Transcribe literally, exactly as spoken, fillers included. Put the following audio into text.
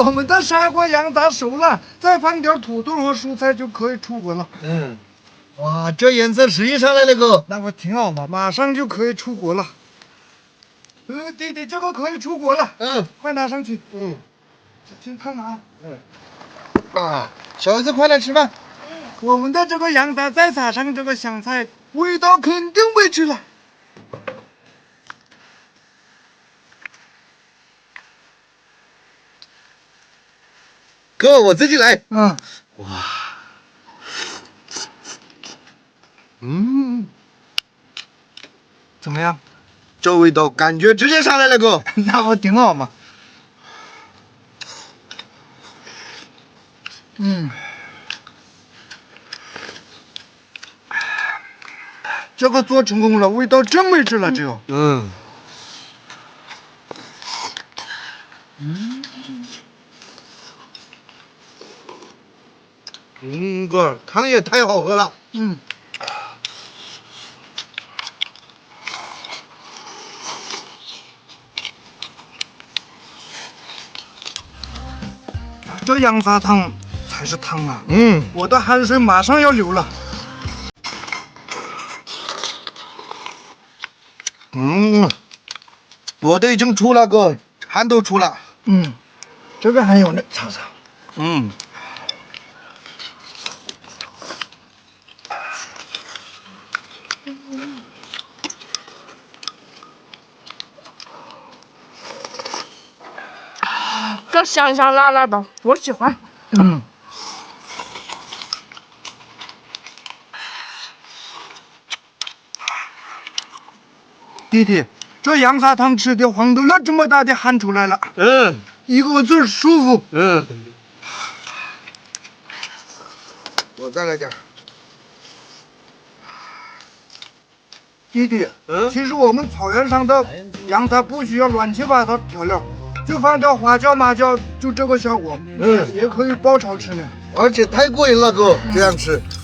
我们的砂锅羊杂熟了，再放点土豆和蔬菜就可以出锅了。 嗯，哇，这颜色适宜上来了哥， 那不挺好吗？马上就可以出锅了。呃，弟弟，这个可以出锅了。 嗯， 快拿上去。 嗯， 先看啊。 嗯，啊，小孩子快来吃饭。 我们的这个羊杂再撒上这个香菜，味道肯定没去了。 哥，我自己来。 嗯， 哇，嗯， 怎么样？ 这味道感觉直接上来了哥。 那不挺好吗？嗯，这个做成功了，味道真没治了，只有。 嗯， 嗯， 嗯，哥，汤也太好喝了。 嗯。这羊杂汤才是汤啊！ 嗯， 我的汗水马上要流了。 嗯，我都已经出了哥，汗都出了。 嗯，这个还有呢，尝尝。 嗯， 这香香辣辣的，我喜欢。 嗯，弟弟，这羊杂汤吃的黄豆了这么大的汗出来了， 嗯， 一个字舒服。 嗯，我再来点。 弟弟， 嗯， 其实我们草原上的羊杂不需要乱七八糟调料，就放点花椒、麻椒，就这个效果。 嗯， 也可以爆炒吃呢。 而且太过瘾了哥，这样吃。